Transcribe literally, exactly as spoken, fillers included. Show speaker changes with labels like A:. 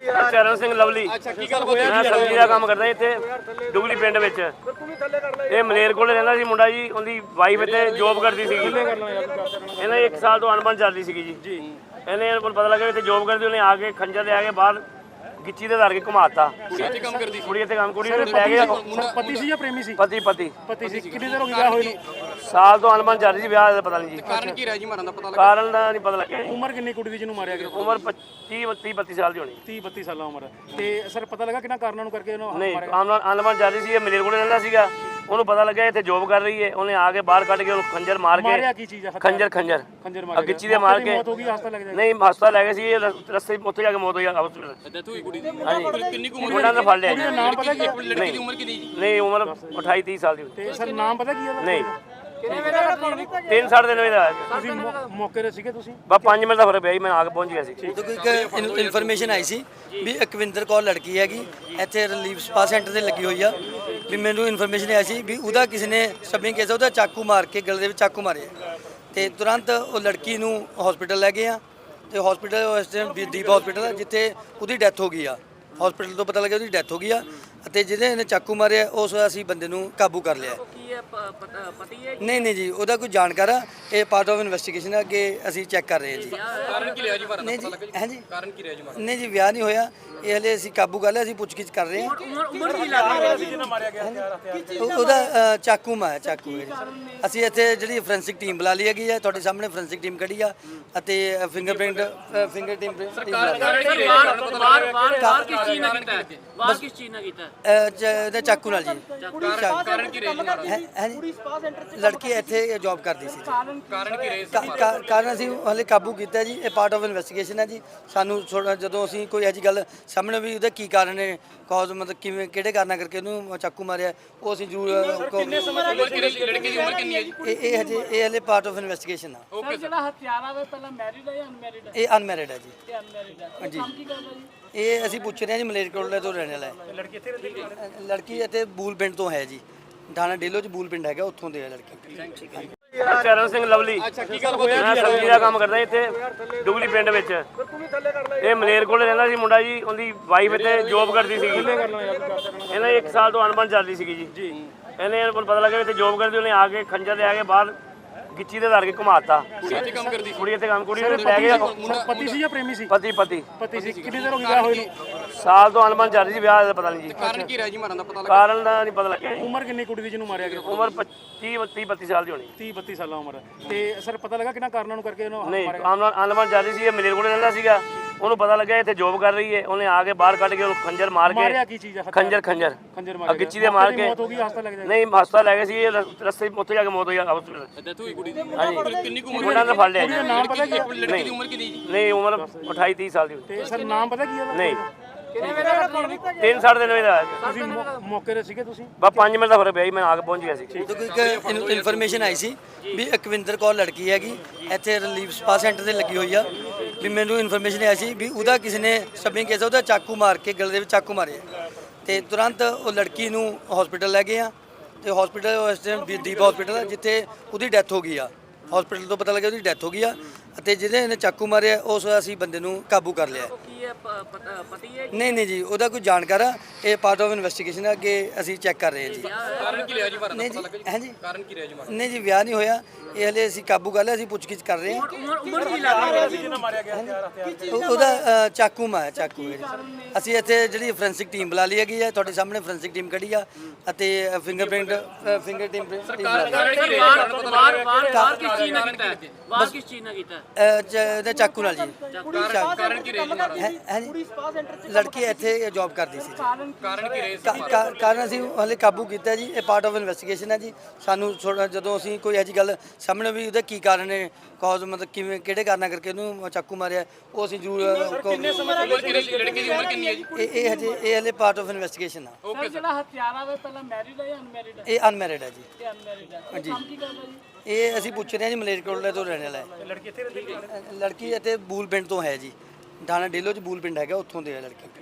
A: ਚਰਨ ਸਿੰਘ ਲਵਲੀ।
B: ਅੱਛਾ ਕੀ ਗੱਲ ਹੋਇਆ?
A: ਮੈਂ ਸਬਜ਼ੀ ਦਾ ਕੰਮ ਕਰਦਾ ਇੱਥੇ ਡੁਗਲੀ ਪਿੰਡ ਵਿੱਚ। ਇਹ ਮਲੇਰ ਕੋਲ ਰਹਿੰਦਾ ਸੀ ਮੁੰਡਾ ਜੀ, ਉਹਦੀ ਵਾਈਫ ਇੱਥੇ ਜੋਬ ਕਰਦੀ ਸੀਗੀ। ਇਹਨਾਂ ਇੱਕ ਸਾਲ ਤੋਂ ਅਣਬਣ ਚੱਲਦੀ ਸੀਗੀ ਜੀ। ਇਹਨੇ ਇਹਨੂੰ ਪਤਾ ਲੱਗਾ ਇੱਥੇ ਜੋਬ ਕਰਦੀ, ਉਹਨੇ ਆ ਕੇ ਖੰਜਰ ਲੈ ਕੇ ਬਾਹਰ ਗਿੱਚੀ ਦੇ ਧਰ ਕੇ ਘੁਮਾਤਾ।
B: ਕੁੜੀ ਇੱਥੇ ਕੰਮ ਕਰਦੀ ਸੀ?
A: ਕੁੜੀ ਇੱਥੇ ਕੰਮ ਕੁੜੀ ਨੂੰ ਲੈ ਗਿਆ।
C: ਪਤੀ ਸੀ ਜਾਂ ਪ੍ਰੇਮੀ ਸੀ?
A: ਪਤੀ ਪਤੀ
C: ਪਤੀ ਸੀ। ਕਿੰਨੇ ਦਿਨ ਹੋ ਗਏ ਵਿਆਹ ਹੋਏ ਨੂੰ?
A: ਸਾਲ ਤੋਂ ਅਣਬਣ ਚੱਲ ਰਹੀ ਸੀ, ਵਿਆਹ ਦਾ ਪਤਾ ਨਹੀਂ ਜੀ।
B: ਕਾਰਨ ਕੀ ਰਿਹਾ ਜੀ ਮਾਰਨ ਦਾ ਪਤਾ ਲੱਗਾ?
A: ਕਾਰਨ ਦਾ ਨਹੀਂ ਪਤਾ ਲੱਗਿਆ।
C: ਉਮਰ ਕਿੰਨੀ ਕੁੜੀ ਦੀ ਜਿਹਨੂੰ ਮਾਰਿਆ ਗਿਆ?
A: ਉਮਰ ਤੀਹ ਤੀਹ ਬੱਤੀ ਸਾਲ ਦੀ ਹੋਣੀ।
C: ਤੀਹ ਬੱਤੀ ਸਾਲਾਂ ਉਮਰ। ਤੇ ਸਰ ਪਤਾ ਲੱਗਾ ਕਿਹਨਾਂ ਕਾਰਨਾਂ ਨੂੰ ਕਰਕੇ ਉਹਨੂੰ
A: ਨਹੀਂ ਅਣਬਣ ਚੱਲ ਰਹੀ ਸੀ। ਇਹ ਮਲੇਰ ਕੋਲ ਰਹਿੰਦਾ ਸੀਗਾ, ਉਹਨੂੰ ਪਤਾ ਲੱਗਿਆ ਇੱਥੇ ਜੋਬ ਕਰ ਰਹੀ ਹੈ। ਉਹਨੇ ਆ ਕੇ ਬਾਹਰ ਕੱਢ ਕੇ ਉਹਨੂੰ ਖੰਜਰ ਮਾਰ
C: ਮਾਰਿਆ?
A: ਕੇ
C: ਕੀ ਚੀਜ਼ ਹੈ?
A: ਖੰਜਰ ਖੰਜਰ
C: ਖੰਜਰ
A: ਆ
C: ਮਾਰਿਆ।
A: ਗਿੱਚੀ ਦੇ ਮਾਰ ਕੇ
C: ਮੌਤ ਹੋ ਗਈ? ਹਸਪਤਾਲ ਲੈ ਕੇ ਜਾਏ?
A: ਨਹੀਂ ਹਸਪਤਾਲ ਲੈ ਗਏ ਸੀ। ਇਹ ਰਸਤੇ ਉੱਥੇ ਜਾ ਕੇ ਮੌਤ ਹੋਈ ਹਸਪਤਾਲ।
B: ਡੈਥ ਹੋਈ ਕੁੜੀ ਦੀ?
A: ਹਾਂਜੀ
B: ਕਿੰਨੀ ਕੁ ਉਮਰ?
A: ਮੁੰਡਾ ਤਾਂ ਫੜ ਲਿਆ
C: ਕੁੜੀ ਦਾ
A: ਜੀ।
C: ਨਾਮ ਪਤਾ ਕੀ ਹੈ?
B: ਲੜਕੀ ਦੀ ਉਮਰ ਕਿੰਨੀ ਜੀ?
A: ਨਹੀਂ ਉਮਰ ਅਠਾਈ ਤੀਹ ਸਾਲ ਦੀ ਹੋਣੀ।
C: ਤੇ ਸਰ ਨਾਮ ਪਤਾ ਕੀ ਹੈ?
A: ਨਹੀਂ ਤਿੰਨ ਸਾਢੇ ਤਿੰਨ ਵਜੇ ਦਾ ਆਇਆ।
C: ਤੁਸੀਂ ਮੌ- ਮੌਕੇ ਤੇ ਸੀਗੇ ਤੁਸੀਂ?
A: ਬਸ ਪੰਜ ਮਿੰਟ ਦਾ ਫਰਕ ਪਿਆ ਜੀ, ਮੈਂ ਆ ਕੇ ਪਹੁੰਚ ਗਿਆ ਸੀ।
D: ਦੇਖੋ ਇੱਕ ਇਨਫੋਰਮੇਸ਼ਨ ਆਈ ਸੀ ਵੀ ਅਕਵਿੰਦਰ ਕੌਰ ਲੜਕੀ ਹੈਗੀ ਇੱਥੇ ਰਿਲੀਫ ਸਪਾ ਸੈਂਟਰ ਤੇ ਲੱਗੀ ਹੋਈ ਆ। ਵੀ ਮੈਨੂੰ ਇਨਫੋਰਮੇਸ਼ਨ ਆਈ ਸੀ ਵੀ ਉਹਦਾ ਕਿਸੇ ਨੇ ਸਬਿੰਗ ਕੇਸ ਉਹਦਾ ਚਾਕੂ ਮਾਰ ਕੇ ਗਲੇ ਦੇ ਵਿੱਚ ਚਾਕੂ ਮਾਰਿਆ। ਤੇ ਤੁਰੰਤ ਉਹ ਲੜਕੀ ਨੂੰ ਹਸਪੀਟਲ ਲੈ ਗਏ ਆ। ਤੇ ਹਸਪੀਟਲ ਇਸ ਟਾਈਮ ਦੀਪ ਹਸਪੀਟਲ ਆ ਜਿੱਥੇ ਉਹਦੀ ਡੈਥ ਹੋ ਗਈ ਆ। ਹਸਪੀਟਲ ਤੋਂ ਪਤਾ ਲੱਗਿਆ ਉਹਦੀ ਡੈਥ ਹੋ ਗਈ ਆ ਅਤੇ ਜਿਹਦੇ ਇਹਨੇ ਚਾਕੂ ਮਾਰਿਆ ਉਸ ਅਸੀਂ ਬੰਦੇ ਨੂੰ ਕਾਬੂ ਕਰ ਲਿਆ। ਨਹੀਂ ਨਹੀਂ ਜੀ, ਉਹਦਾ ਕੋਈ ਜਾਣਕਾਰ ਆ। ਇਹ ਪਾਰਟ ਆਫ ਇਨਵੈਸਟੀਗੇਸ਼ਨ ਆ, ਅੱਗੇ ਅਸੀਂ ਚੈੱਕ ਕਰ ਰਹੇ ਹਾਂ ਜੀ।
B: ਕਾਰਨ ਕੀ ਰਿਹਾ ਜੀ ਮਾਰਨ ਦਾ
D: ਨਹੀਂ
B: ਪਤਾ
D: ਜੀ
B: ਲੱਗਾ?
D: ਹੈ ਜੀ
B: ਕਾਰਨ ਕੀ ਰਿਹਾ ਜੀ ਮਾਰਨ?
D: ਨਹੀਂ ਜੀ, ਵਿਆਹ ਨਹੀਂ ਹੋਇਆ। ਇਹ ਹਲੇ ਅਸੀਂ ਕਾਬੂ ਕਰ ਲਿਆ, ਅਸੀਂ ਪੁੱਛਗਿੱਛ ਕਰ ਰਹੇ ਹਾਂ। ਉਹ- ਉਹਦਾ ਅ, ਚਾਕੂ ਮਾਰਿਆ ਚਾਕੂ ਹੈ ਜੀ। ਅਸੀਂ ਇੱਥੇ ਜਿਹੜੀ ਫੋਰੈਂਸਿਕ ਟੀਮ ਬੁਲਾ ਲਈ ਹੈਗੀ ਹੈ, ਤੁਹਾਡੇ ਸਾਹਮਣੇ ਫੋਰੈਂਸਿਕ ਟੀਮ ਕੱਢੀ ਆ ਅਤੇ ਫਿੰਗਰਪ੍ਰਿੰਟ ਫਿੰਗਰ ਟੀਮ ਇਹਦੇ ਚਾਕੂ ਨਾਲ ਜੀ।
B: ਕਾਰਨ ਕੀ ਰਿਹਾ ਜੀ ਮਾਰਨ?
D: ਹੈ ਹੈ ਜੀ, ਲੜਕੀ ਇੱਥੇ ਜੌਬ ਕਰਦੀ ਸੀ ਜੀ।
B: ਕਾਰਨ ਕੀ ਰਿਹਾ?
D: ਕਾ- ਕਾ- ਕਾਰਨ ਅਸੀਂ ਹਲੇ ਕਾਬੂ ਕੀਤਾ ਜੀ। ਇਹ ਪਾਰਟ ਆਫ ਇਨਵੈਸਟੀਗੇਸ਼ਨ ਹੈ ਜੀ। ਸਾਨੂੰ ਥੋੜ੍ਹਾ ਜਦੋਂ ਅਸੀਂ ਕੋਈ ਇਹੋ ਜਿਹੀ ਗੱਲ ਸਾਹਮਣੇ ਵੀ ਉਹਦਾ ਕੀ ਕਾਰਨ ਹੈ, ਕਾਜ਼ ਮਤਲਬ ਕਿਵੇਂ ਕਿਹੜੇ ਕਾਰਨਾਂ ਕਰਕੇ ਉਹਨੂੰ ਚਾਕੂ ਮਾਰਿਆ, ਉਹ ਅਸੀਂ ਜ਼ਰੂਰ
B: ਲੜਕੀ ਦੀ ਉਮਰ ਕਿੰਨੀ ਹੈ ਜੀ?
D: ਇਹ ਇਹ ਹਜੇ ਇਹ ਹਲੇ ਪਾਰਟ ਆਫ ਇਨਵੈਸਟੀਗੇਸ਼ਨ ਆ।
B: Okay sir.
E: ਜਿਹੜਾ ਹਥਿਆਰਾ ਵਾ ਪਹਿਲਾਂ ਮੈਰਿਡ ਹੈ ਜਾਂ ਅਨਮੈਰਿਡ ਹੈ?
D: ਇਹ ਅਨਮੈਰਿਡ ਹੈ ਜੀ।
E: ਇਹ ਅਨਮੈਰਿਡ ਹੈ।
D: ਹਾਂਜੀ।
E: ਕੰਮ ਕੀ ਕਰਦਾ ਜੀ?
D: ਇਹ ਅਸੀਂ ਪੁੱਛ ਰਹੇ ਹਾਂ ਜੀ, ਮਲੇਰਕੋਟਲਾ ਤੋਂ ਰਹਿਣ ਵਾਲਾ ਹੈ।
C: ਲੜਕੀ ਇੱਥੇ ਰਹਿੰਦੀ ਹੈ?
D: ਲੜਕੀ ਇੱਥੇ ਬੂਲ ਪਿੰਡ ਤੋਂ ਹੈ ਜੀ। ਥਾਣਾ ਡੇਲੋ ਚ ਬੂਲ ਪਿੰਡ ਹੈਗਾ, ਉੱਥੋਂ ਦੇ ਹੈ ਲੜਕੀ।
A: ਚਰਨ ਸਿੰਘ ਲਵਲੀ।
B: ਅੱਛਾ ਕੀ ਗੱਲ ਹੋਇਆ?
A: ਮੈਂ ਸਬਜ਼ੀ ਦਾ ਕੰਮ ਕਰਦਾ ਇੱਥੇ ਡੁਗਲੀ ਪਿੰਡ ਵਿੱਚ। ਇਹ ਮਲੇਰ ਕੋਲ ਰਹਿੰਦਾ ਸੀ ਮੁੰਡਾ ਜੀ, ਉਹਦੀ ਵਾਈਫ ਇੱਥੇ ਜੋਬ ਕਰਦੀ ਸੀਗੀ। ਇਹਨਾਂ ਇੱਕ ਸਾਲ ਤੋਂ ਅਣਬਣ ਚੱਲਦੀ ਸੀਗੀ ਜੀ। ਇਹਨੇ ਇਹਨੂੰ ਪਤਾ ਲੱਗਾ ਇੱਥੇ ਜੋਬ ਕਰਦੀ, ਉਹਨੇ ਆ ਕੇ ਖੰਜਰ ਲੈ ਕੇ ਬਾਹਰ ਗਿੱਚੀ ਦੇ ਧਰ ਕੇ ਘੁਮਾਤਾ।
B: ਕੁੜੀ ਇੱਥੇ ਕੰਮ ਕਰਦੀ ਸੀ?
A: ਕੁੜੀ ਇੱਥੇ ਕੰਮ ਕੁੜੀ ਨੂੰ ਲੈ ਗਿਆ।
C: ਪਤੀ ਸੀ ਜਾਂ ਪ੍ਰੇਮੀ ਸੀ?
A: ਪਤੀ ਪਤੀ
C: ਪਤੀ ਸੀ। ਕਿੰਨੇ ਦਿਨ ਹੋ ਗਏ ਵਿਆਹ ਹੋਏ ਨੂੰ?
A: ਸਾਲ ਤੋਂ ਅਣਬਣ ਚੱਲ ਰਹੀ ਸੀ, ਵਿਆਹ ਦਾ ਪਤਾ ਨਹੀਂ ਜੀ।
B: ਕਾਰਨ ਕੀ ਰਿਹਾ ਜੀ ਮਾਰਨ ਦਾ ਪਤਾ ਲੱਗਾ?
A: ਕਾਰਨ ਦਾ ਨਹੀਂ ਪਤਾ ਲੱਗਿਆ।
C: ਉਮਰ ਕਿੰਨੀ ਕੁੜੀ ਦੀ ਜਿਹਨੂੰ ਮਾਰਿਆ ਗਿਆ?
A: ਉਮਰ ਤੀਹ ਤੀਹ ਬੱਤੀ ਸਾਲ ਦੀ ਹੋਣੀ।
C: ਤੀਹ ਬੱਤੀ ਸਾਲਾਂ ਉਮਰ। ਤੇ ਸਰ ਪਤਾ ਲੱਗਾ ਕਿਹਨਾਂ ਕਾਰਨਾਂ ਨੂੰ ਕਰਕੇ ਉਹਨੂੰ
A: ਨਹੀਂ
C: ਮਾਰਿਆ?
A: ਅਣਬਣ ਚੱਲ ਰਹੀ ਸੀ। ਇਹ ਮਲੇਰ ਕੋਲ ਰਹਿੰਦਾ ਸੀਗਾ, ਉਹਨੂੰ ਪਤਾ ਲੱਗਿਆ ਇੱਥੇ ਜੋਬ ਕਰ ਰਹੀ ਹੈ। ਉਹਨੇ ਆ ਕੇ ਬਾਹਰ ਕੱਢ ਕੇ ਉਹਨੂੰ ਖੰਜਰ ਮਾਰ
C: ਮਾਰਿਆ?
A: ਕੇ
C: ਕੀ ਚੀਜ਼ ਹੈ?
A: ਖੰਜਰ ਖੰਜਰ
C: ਖੰਜਰ
A: ਆ
C: ਮਾਰਿਆ।
A: ਗਿੱਚੀ ਦੇ ਮਾਰ ਕੇ
C: ਮੌਤ ਹੋ ਗਈ? ਹਸਪਤਾਲ ਲੈ ਕੇ ਜਾਏ?
A: ਨਹੀਂ ਹਸਪਤਾਲ ਲੈ ਗਏ ਸੀ। ਇਹ ਰਸਤੇ ਉੱਥੇ ਜਾ ਕੇ ਮੌਤ ਹੋਈ ਹਸਪਤਾਲ।
B: ਡੈਥ ਹੋਈ ਕੁੜੀ ਦੀ?
A: ਹਾਂਜੀ।
B: ਕਿੰਨੀ ਕੁ ਉਮਰ?
A: ਮੁੰਡਾ ਤਾਂ ਫੜ ਲਿਆ ਜੀ।
C: ਨਾਮ ਪਤਾ ਕੀ ਹੈ?
B: ਲੜਕੀ ਦੀ ਉਮਰ ਕਿੰਨੀ ਜੀ?
A: ਨਹੀਂ ਉਮਰ ਅਠਾਈ ਤੀਹ ਸਾਲ ਦੀ ਹੋਣੀ।
C: ਤੇ ਸਰ ਨਾਮ ਪਤਾ ਕੀ ਹੈ?
A: ਨਹੀਂ ਤਿੰਨ ਸਾਢੇ ਤਿੰਨ ਵਜੇ ਦਾ ਆਇਆ।
C: ਤੁਸੀਂ ਮੌ- ਮੌਕੇ ਤੇ ਸੀਗੇ ਤੁਸੀਂ?
A: ਬਸ ਪੰਜ ਮਿੰਟ ਦਾ ਫਰਕ ਪਿਆ ਜੀ, ਮੈਂ ਆ ਕੇ ਪਹੁੰਚ ਗਿਆ ਸੀ।
D: ਦੇਖੋ ਇੱਕ ਇਨਫੋਰਮੇਸ਼ਨ ਆਈ ਸੀ ਵੀ ਅਕਵਿੰਦਰ ਕੌਰ ਲੜਕੀ ਹੈਗੀ ਇੱਥੇ ਰਿਲੀਫ ਸਪਾ ਸੈਂਟਰ ਤੇ ਲੱਗੀ ਹੋਈ ਆ। ਵੀ ਮੈਨੂੰ ਇਨਫੋਰਮੇਸ਼ਨ ਆਈ ਸੀ ਵੀ ਉਹਦਾ ਕਿਸੇ ਨੇ ਸਬਿੰਗ ਕੇਸ ਉਹਦਾ ਚਾਕੂ ਮਾਰ ਕੇ ਗਲੇ ਦੇ ਵਿੱਚ ਚਾਕੂ ਮਾਰਿਆ। ਤੇ ਤੁਰੰਤ ਉਹ ਲੜਕੀ ਨੂੰ ਹਸਪੀਟਲ ਲੈ ਗਏ ਆ। ਤੇ ਹਸਪੀਟਲ ਇਸ ਟਾਈਮ ਦੀਪ ਹਸਪੀਟਲ ਆ ਜਿੱਥੇ ਉਹਦੀ ਡੈਥ ਹੋ ਗਈ ਆ। ਹਸਪੀਟਲ ਤੋਂ ਪਤਾ ਲੱਗਿਆ ਉਹਦੀ ਡੈਥ ਹੋ ਗਈ ਆ ਅਤੇ ਜਿਹਦੇ ਇਹਨੇ ਚਾਕੂ ਮਾਰਿਆ ਉਸ ਅਸੀਂ ਬੰਦੇ ਨੂੰ ਕਾਬੂ ਕਰ ਲਿਆ। ਨਹੀਂ ਨਹੀਂ ਜੀ, ਉਹਦਾ ਕੋਈ ਜਾਣਕਾਰ ਆ। ਇਹ ਪਾਰਟ ਆਫ ਇਨਵੈਸਟੀਗੇਸ਼ਨ ਆ, ਅੱਗੇ ਅਸੀਂ ਚੈੱਕ ਕਰ ਰਹੇ ਹਾਂ ਜੀ।
B: ਕਾਰਨ ਕੀ ਰਿਹਾ ਜੀ ਮਾਰਨ ਦਾ
D: ਨਹੀਂ
B: ਪਤਾ
D: ਜੀ
B: ਲੱਗਾ?
D: ਹੈ ਜੀ,
B: ਕਾਰਨ ਕੀ ਰਿਹਾ ਜੀ ਮਾਰਨ?
D: ਨਹੀਂ ਜੀ, ਵਿਆਹ ਨਹੀਂ ਹੋਇਆ। ਇਹ ਹਲੇ ਅਸੀਂ ਕਾਬੂ ਕਰ ਲਿਆ, ਅਸੀਂ ਪੁੱਛਗਿੱਛ ਕਰ ਰਹੇ ਹਾਂ। ਉਹ- ਉਹਦਾ ਅ, ਚਾਕੂ ਮਾਰਿਆ ਚਾਕੂ ਹੈ ਜੀ। ਅਸੀਂ ਇੱਥੇ ਜਿਹੜੀ ਫੋਰੈਂਸਿਕ ਟੀਮ ਬੁਲਾ ਲਈ ਹੈਗੀ ਹੈ, ਤੁਹਾਡੇ ਸਾਹਮਣੇ ਫੋਰੈਂਸਿਕ ਟੀਮ ਕੱਢੀ ਆ ਅਤੇ ਫਿੰਗਰਪ੍ਰਿੰਟ ਫਿੰਗਰ ਟੀਮ
B: ਕਾਰਨ ਕੀ ਰਿਹਾ?
E: ਬਾਹਰ ਬਾਹਰ ਬਾਹਰ ਕਿਸ ਚੀਜ਼ ਨਾਲ ਕੀਤਾ ਹੈ? ਬਾਹਰ ਕਿਸ ਚੀਜ਼ ਨਾਲ ਕੀਤਾ ਹੈ?
D: ਇਹਦੇ ਚਾਕੂ ਨਾਲ ਜੀ।
B: ਕਾਰਨ ਕੀ ਰਿਹਾ ਜੀ ਮਾਰਨ?
D: ਹੈ ਹੈ ਜੀ, ਲੜਕੀ ਇੱਥੇ ਜੌਬ ਕਰਦੀ ਸੀ ਜੀ।
B: ਕਾਰਨ ਕੀ ਰਿਹਾ?
D: ਕਾ- ਕਾ- ਕਾਰਨ ਅਸੀਂ ਹਲੇ ਕਾਬੂ ਕੀਤਾ ਜੀ। ਇਹ ਪਾਰਟ ਆਫ ਇਨਵੈਸਟੀਗੇਸ਼ਨ ਹੈ ਜੀ। ਸਾਨੂੰ ਥੋੜ੍ਹਾ ਜਦੋਂ ਅਸੀਂ ਕੋਈ ਇਹੋ ਜਿਹੀ ਗੱਲ ਸਾਹਮਣੇ ਵੀ ਉਹਦਾ ਕੀ ਕਾਰਨ ਹੈ, ਕਾਜ਼ ਮਤਲਬ ਕਿਵੇਂ ਕਿਹੜੇ ਕਾਰਨਾਂ ਕਰਕੇ ਉਹਨੂੰ ਚਾਕੂ ਮਾਰਿਆ, ਉਹ ਅਸੀਂ ਜ਼ਰੂਰ
B: ਉਮਰ ਕਿੰਨੀ? ਲੜਕੀ ਦੀ ਉਮਰ ਕਿੰਨੀ ਹੈ ਜੀ?
D: ਇਹ ਇਹ ਹਜੇ ਇਹ ਹਲੇ ਪਾਰਟ ਆਫ ਇਨਵੈਸਟੀਗੇਸ਼ਨ ਆ।
B: Okay sir.
E: ਜਿਹੜਾ ਹਥਿਆਰਾ ਵਾ ਪਹਿਲਾਂ ਮੈਰਿਡ ਹੈ ਜਾਂ ਅਨਮੈਰਿਡ ਹੈ?
D: ਇਹ ਅਨਮੈਰਿਡ ਹੈ ਜੀ।
E: ਇਹ ਅਨਮੈਰਿਡ ਹੈ।
D: ਹਾਂਜੀ।
E: ਕੰਮ ਕੀ ਕਰਦਾ ਜੀ?
D: ਇਹ ਅਸੀਂ ਪੁੱਛ ਰਹੇ ਹਾਂ ਜੀ, ਮਲੇਰਕੋਟਲਾ ਤੋਂ ਰਹਿਣ ਵਾਲਾ ਹੈ।
C: ਲੜਕੀ ਇੱਥੇ ਰਹਿੰਦੀ ਹੈ?
D: ਲੜਕੀ ਇੱਥੇ ਬੂਲ ਪਿੰਡ ਤੋਂ ਹੈ ਜੀ। ਥਾਣਾ ਡੇਲੋ ਚ ਬੂਲ ਪਿੰਡ ਹੈਗਾ, ਉੱਥੋਂ ਦੇ ਹੈ ਲੜਕੀ।